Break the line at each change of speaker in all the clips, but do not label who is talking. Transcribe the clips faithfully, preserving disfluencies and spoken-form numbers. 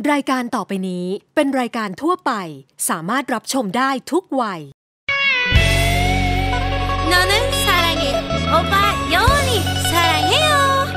รายการต่อไปนี้เป็นรายการทั่วไปสามารถรับชมได้ทุกวัย
너는사랑해오빠영원히사랑해요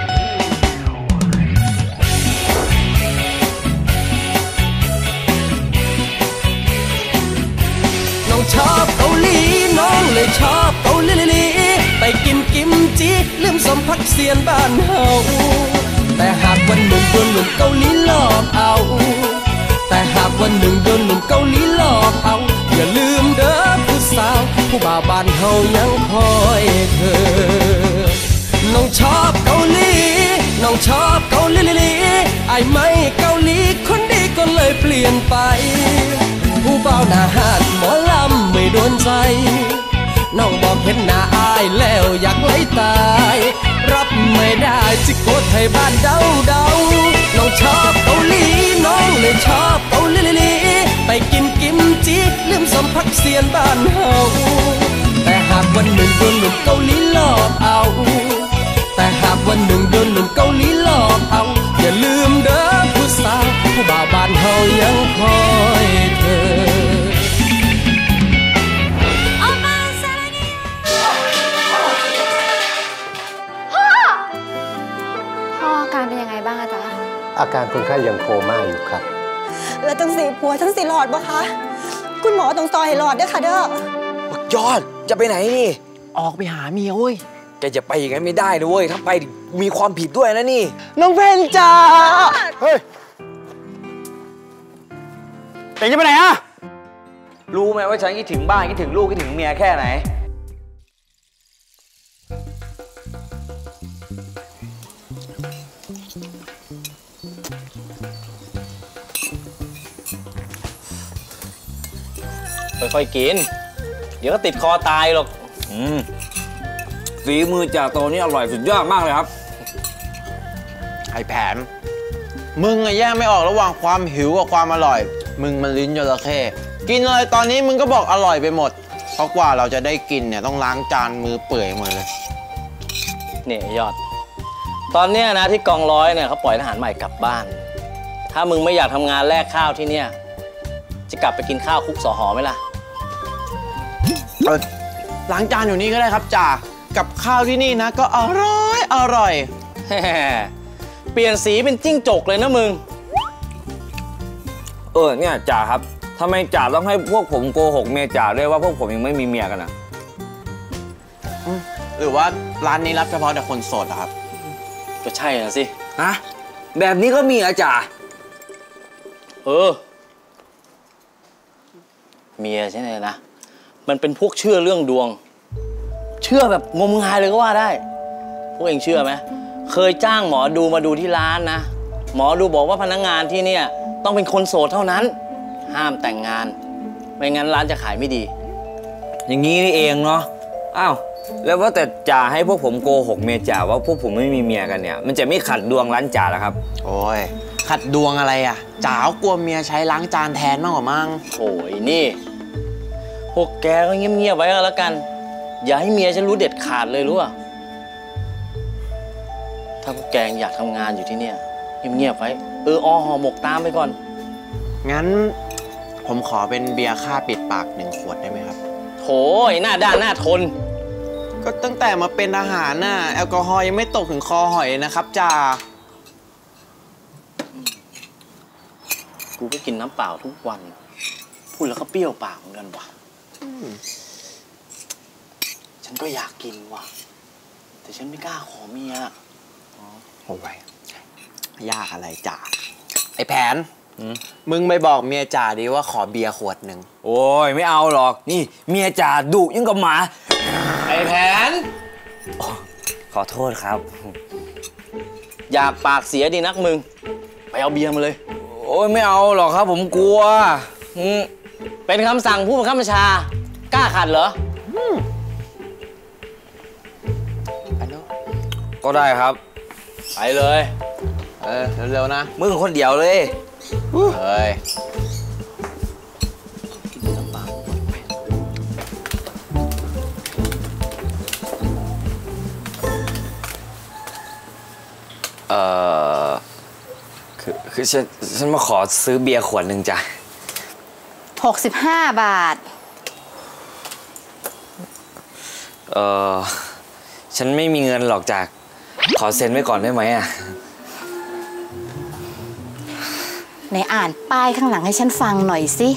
น้องชอบเกาหลีน้องเลยชอบเกาหลีลีไปกินกิมจิลืมสมพักเสียนบ้านเฮาแต่หากวันหนึ่งโดนหนุ่มเกาหลีหลอกเอาแต่หากวันหนึ่งโดนหนุ่มเกาหลีหลอกเอาอย่าลืมเด้อผู้สาวผู้บ่าวบ้านเฮายังคอยเธอน้องชอบเกาหลีน้องชอบเกาหลีลีไอ้ไม่เกาหลีคนดีก็เลยเปลี่ยนไปผู้บ่าวหน้าหาดหมอลำไม่โดนใจน้องบอกเห็นหน้าอายแล้วอยากไล่ตายรับไม่ได้จิโกไทยบ้านเดาเดาน้องชอบเกาหลีน้องเลยชอบเกาหลีลีไปกินกิมจิลืมสมพักเสียนบ้านเฮาแต่หากวันหนึ่งโดนหนุ่มเกาหลีหลอกเอาแต่หากวันหนึ่งโดนหนุ่มเกาหลีหลอกเอาอย่าลืมเด้อผู้สาวผู้บ่าวบ้านเฮายังคอยเธอ
อาการคนไข้ยังโคม่าอยู่ครับ
แล้วจังสีผัวจังสีหลอดบ่คะคุณหมอต้องซอยให้หลอดด้วยค่ะเด้อย
อดจะไปไหนนี่
ออกไปหาเมียเว้ย
แกจะไปอย่างนั้นไม่ได้นะเว้ยถ้าไปมีความผิดด้วยนะนี่
น้องเพนจ้าเฮ้ยเอ็งจะไปไหนอะ
รู้ไหมว่าฉันคิดถึงบ้านคิดถึงลูกคิดถึงเมียแค่ไหน
ค่อยๆกินเดี๋ยวก็ติดคอตายหรอก
อืมฝีมือจ่าโตนี่อร่อยสุดยอดมากเลยครับ
ไอ้แผนมึงอะแยกไม่ออกระหว่างความหิวกับความอร่อยมึงมันลิ้นจระเข้กินเลยตอนนี้มึงก็บอกอร่อยไปหมดเพราะกว่าเราจะได้กินเนี่ยต้องล้างจานมือเปื่อยหมดเลย
เนี่ยยอดตอนเนี้ยนะที่กองร้อยเนี่ยเขาปล่อยทหารใหม่กลับบ้านถ้ามึงไม่อยากทำงานแลกข้าวที่เนี่ยจะกลับไปกินข้าวคุกสหอไหมล่ะ
เออล้างจานอยู่นี่ก็ได้ครับจ่ากับข้าวที่นี่นะก็อร่อยอร่อย
เปลี่ยนสีเป็นจิ้งจกเลยนะมึง
เออเนี่ยจ่าครับทำไมจ่าต้องให้พวกผมโกหกเมียจ่าด้วยว่าพวกผมยังไม่มีเมียกันอ่ะ
หรือว่าร้านนี้รับเฉพาะแต่คนโสดครับ
ก็ใช่น่ะสิ
ฮะแบบนี้ก็มีอ่ะจ่า
เออเมียใช่ไหมนะมันเป็นพวกเชื่อเรื่องดวงเชื่อแบบงมงายเลยก็ว่าได้พวกเองเชื่อไหมเคยจ้างหมอดูมาดูที่ร้านนะหมอดูบอกว่าพนักงานที่เนี่ยต้องเป็นคนโสดเท่านั้นห้ามแต่งงานไม่งั้นร้านจะขายไม่ดี
อย่างนี้นี่เองเนาะอ้าวแล้วว่าแต่จ่าให้พวกผมโกหกเมียจ่าว่าพวกผมไม่มีเมียกันเนี่ยมันจะไม่ขัดดวงร้านจ่าหรอครับ
โอ้ยขัดดวงอะไรอ่ะจ๋ากลัวเมียใช้ล้างจานแทนมากกว่ามั้ง
โอ้ยนี่พวกแกก็เงียบๆไว้ก็แล้วกันอย่าให้เมียฉันรู้เด็ดขาดเลยรู้ป่ะถ้าพวกแกอยากทำงานอยู่ที่เนี่ยเงียบๆไว้เอออห่อหมกตามไปก่อน
งั้นผมขอเป็นเบียร์ค่าปิดปากหนึ่งขวดได้ไหมครับ
โถยหน้าด้านหน้าทน
ก็ตั้งแต่มาเป็นอาหารน่ะแอลกอฮอล์ยังไม่ตกถึงคอหอยนะครับจ่า
กูก็กินน้ำเปล่าทุกวันพูดแล้วก็เปรี้ยวปากเหมือนกันว่ะฉันก็อยากกินว่ะแต่ฉันไม่กล้าขอเมีย
โอ้ยยากอะไรจ่าไอ้แผนมึงไปบอกเมียจ่าดิว่าขอเบียร์ขวดหนึ่ง
โอ้ยไม่เอาหรอกนี่เมียจ่าดุยิ่งกับหมา
ไอ้แผน
ขอโทษครับ
อยากปากเสียดีนักมึงไปเอาเบียร์มาเลย
โอ้ยไม่เอาหรอกครับผมกลัว
เป็นคำสั่งผู้บังคับบัญชากล้าขัดเหรอ
ก็ได้ครับ
ไปเลย
เออเร็วๆนะ
มึงคนเดียวเลย
เฮ้ย
เอ่อคือคคือฉันฉันมาขอซื้อเบียร์ขวดหนึ่งจ้ะ
หกสิบห้าบาท
เออฉันไม่มีเงินหรอกจ้ะขอเซ็นไว้ก่อนได้ไหมอ่ะ
ไหนอ่านป้ายข้างหลังให้ฉันฟังหน่อยสิ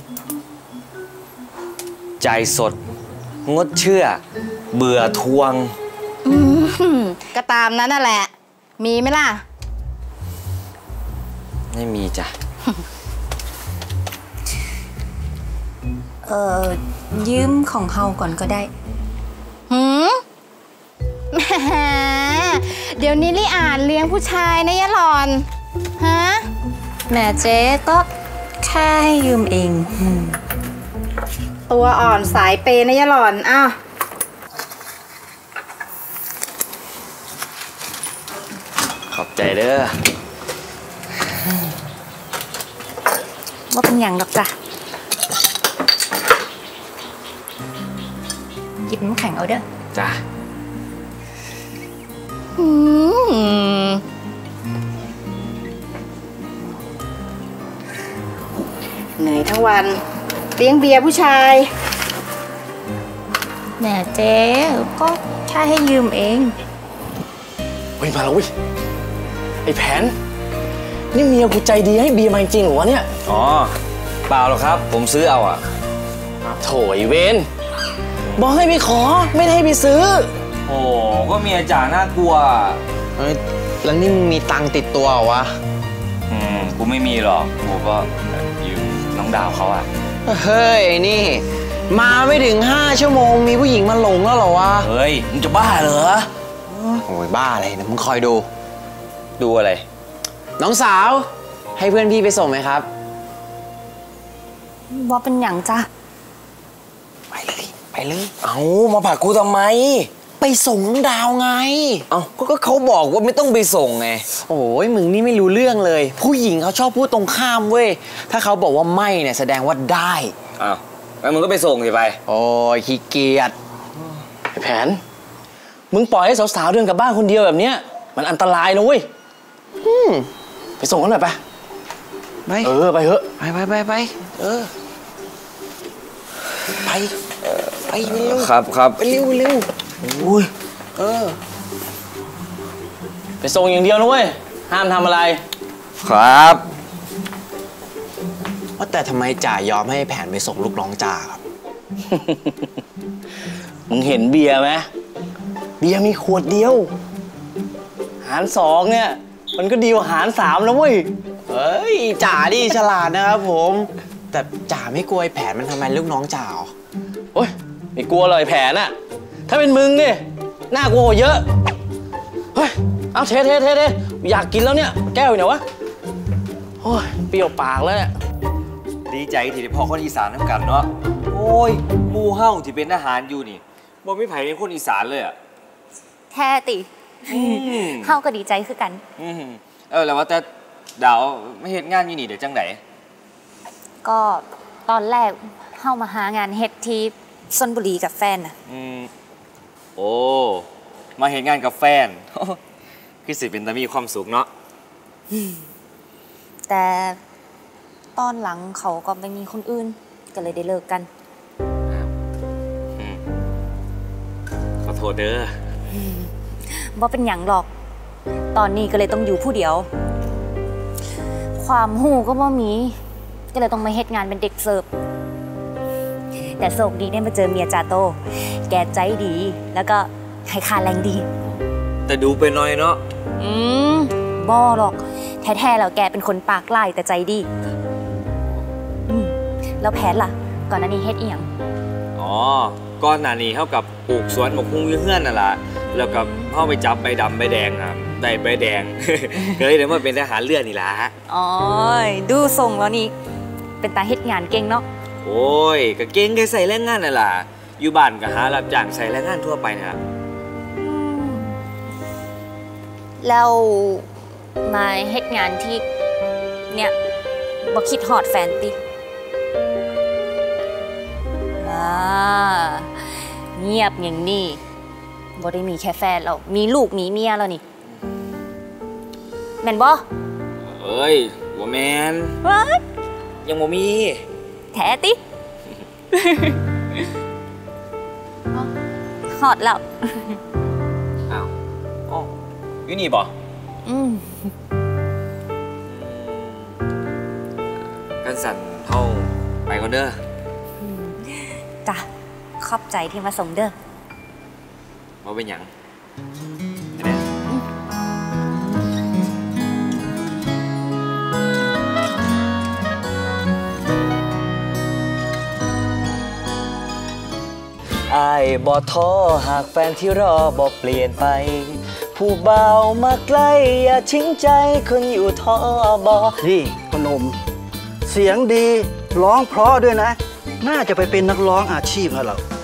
จ่ายสดงดเชื่อเบื่อทวง
ก็ตามนั้นน่ะแหละมีไหมล่ะ
ไม่มีจ้ะ
เออยืมของเฮาก่อนก็ได้
หืมแหมเดี๋ยวนี้ลี่อ่านเลี้ยงผู้ชายนะยะหลอนฮะ
แม่เจ๊ก็แค่ให้ยืมเอง
ตัวอ่อนสายเปย์นะยะหลอนอ้าว
ขอบใจเด้อ
ว่าเป็นอย่างหรอกจ้ะหยิบน้ำแข็งเอาเด้อ
จ้ะ
เหนื่อยทั้งวันเลี้ยงเบียร์ผู้ชาย
แม่เจ๊ก็แค่ให้ยืมเอง
เฮ้ยมาแล้วเว้ยไอ้แผนนี่เมียกูใจดีให้เบียร์มาจริงเหรอวะเนี่ย
อ๋อเปล่าหรอกครับผมซื้อเอาอ่ะ
โถยเวนบอกให้ไปขอไม่ได้ให้ไปซื้อ
โอ้ก็เมียจ๋าน่ากลัว
เฮ้ยแล้วนี่มึงมีตังค์ติดตัวเหรอวะ
อืมกูไม่มีหรอกกูก็ยืมน้องดาวเขาอ่ะ
เฮ้ยนี่มาไม่ถึงห้าชั่วโมงมีผู้หญิงมาหลงแล้วเหรอวะ
เฮ้ยมึงจะบ้าเหรอ
โอ้ยบ้าอะไรนะมึงคอยดู
ดูอะไร
น้องสาวให้เพื่อนพี่ไปส่งไหมครับ
ว่าเป็นอย่างจ้ะ
ไปเลยไปเลย
เอามาผลักกูทำไม
ไปส่งน้องดาวไง
เอาก็เขาบอกว่าไม่ต้องไปส่งไง
โอ้ยมึงนี่ไม่รู้เรื่องเลยผู้หญิงเขาชอบพูดตรงข้ามเว้ยถ้าเขาบอกว่าไม่เนี่ยแสดงว่าได้
อ้าวงั้นมึงก็ไปส่งสิไป
โอ้ยขี้เกียจ
ไอ้แผนมึงปล่อยให้สาวๆเดินกลับบ้านคนเดียวแบบเนี้ยมันอันตรายนะเว้ยไปส่งกันหน่อยไป
ไป
เออไปเถอะ
ไปไปไปไปเออไปไปเร็ว
ครับครับ
ไปเร็วเร็ว
อุ้ย
เออ
ไปส่งอย่างเดียวนะเว้ยห้ามทำอะไร
ครับ
ว่าแต่ทำไมจ่ายอมให้แผนไปส่งลูกน้องจ่าครับ
มึงเห็นเบียร์ไหมเบียร์มีขวดเดียวหารสองเนี่ยมันก็ดีกว่าหารสามแล้วเว้ย
เฮ้ยจ่าดิฉลาดนะครับผมแต่จ่าไม่กลัวไอ้แผนมันทำไมลูกน้องจ่า
โอ๊ยไม่กลัวเลยแผนอะถ้าเป็นมึงเนี่ยน่ากลัวเยอะเฮ้ยเอาเทเทเทเทอยากกินแล้วเนี่ยแก้วอยู่ไหนวะโอ้ยเปรี้ยวปากแล้วเนี่ย
ดีใจที่ได้พอคนอีสานทั้งกันเนาะโอ้ยมูเฮ้าที่เป็นทหารอยู่นี่บ่ไม่ไผ่เป็นคนอีสานเลยอะ
แท้ติเฮ้าก็ดีใจคือกัน
เออแล้วว่าแต่ดาวไม่เฮ็ดงานอยู่นี่เดี๋ยวจังไหน
ก็ตอนแรกเฮ้ามาหางานเฮ็ดที่ชลบุรีกับแฟนน่ะ
อืมโอ้มาเฮ็ดงานกับแฟนคือสิเป็นตามีความสุขเนาะ
แต่ตอนหลังเขาก็ไม่มีคนอื่นก็เลยได้เลิกกัน
ขอโทษเด้อ
บ่เป็นหยังหรอกตอนนี้ก็เลยต้องอยู่ผู้เดียวความหูก็บ่มีก็เลยต้องมาเฮ็ดงานเป็นเด็กเสิร์ฟแต่โชคดีได้มาเจอเมียจ่าโตแกใจดีแล้วก็ให้ค่าแรงดี
แต่ดูไปหน่อยเนาะ
อืมบ่หรอกแท้ๆแล้วแกเป็นคนปากไล่แต่ใจดีอืมแล้วแผนล่ะก่อนหน้านี้เฮ็ดอีหยัง
อ๋อก่อนหน้านี้เท่ากับปลูกสวนหมกหุ้งเฮือนนั่นแหละแล้วก็เข้าไปจับใบดำใบแดงอ่ะได้ใบแดงก็เลยได้มาเป็นทหารเรือนี่ล่ะ
อ๋อดูทรงแล้วนี่เป็นตาเฮ็ดงานเก่งเนาะ
โอ้ยก็เก่งแค่ใส่แรงงานนั่นล่ะอยู่บ้านก็หารับจ้างใส่แรงงานทั่วไปนะ
แล้วมาเฮ็ดงานที่เนี่ยบ่คิดฮอดแฟนติอ่าเงียบอย่างนี้บ่ได้มีแค่แฟนแล้วมีลูกมีเมียแล้วนี่แม่นบ่
เออ้ยบ่แมน
ว้า
ยังบ่มี
แท้ติ ฮอดแล้ว
อ้าวอ๋ออยู่นี่บ่
อืม
กันสั่นเฮาไปก่อนเด้อ
จ้ะขอบใจที่มาส่งเด้อ
บ่เป็นหยัง
อายบ่ท้อหากแฟนที่รอบ่เปลี่ยนไป ผู้เบามาใกล้อย่าทิ้งใจคนอยู่ท้อบอ
นี่พนม เสียงดีร้องเพราะด้วยนะ น่าจะไปเป็นนักร้องอาชีพแล้วเรา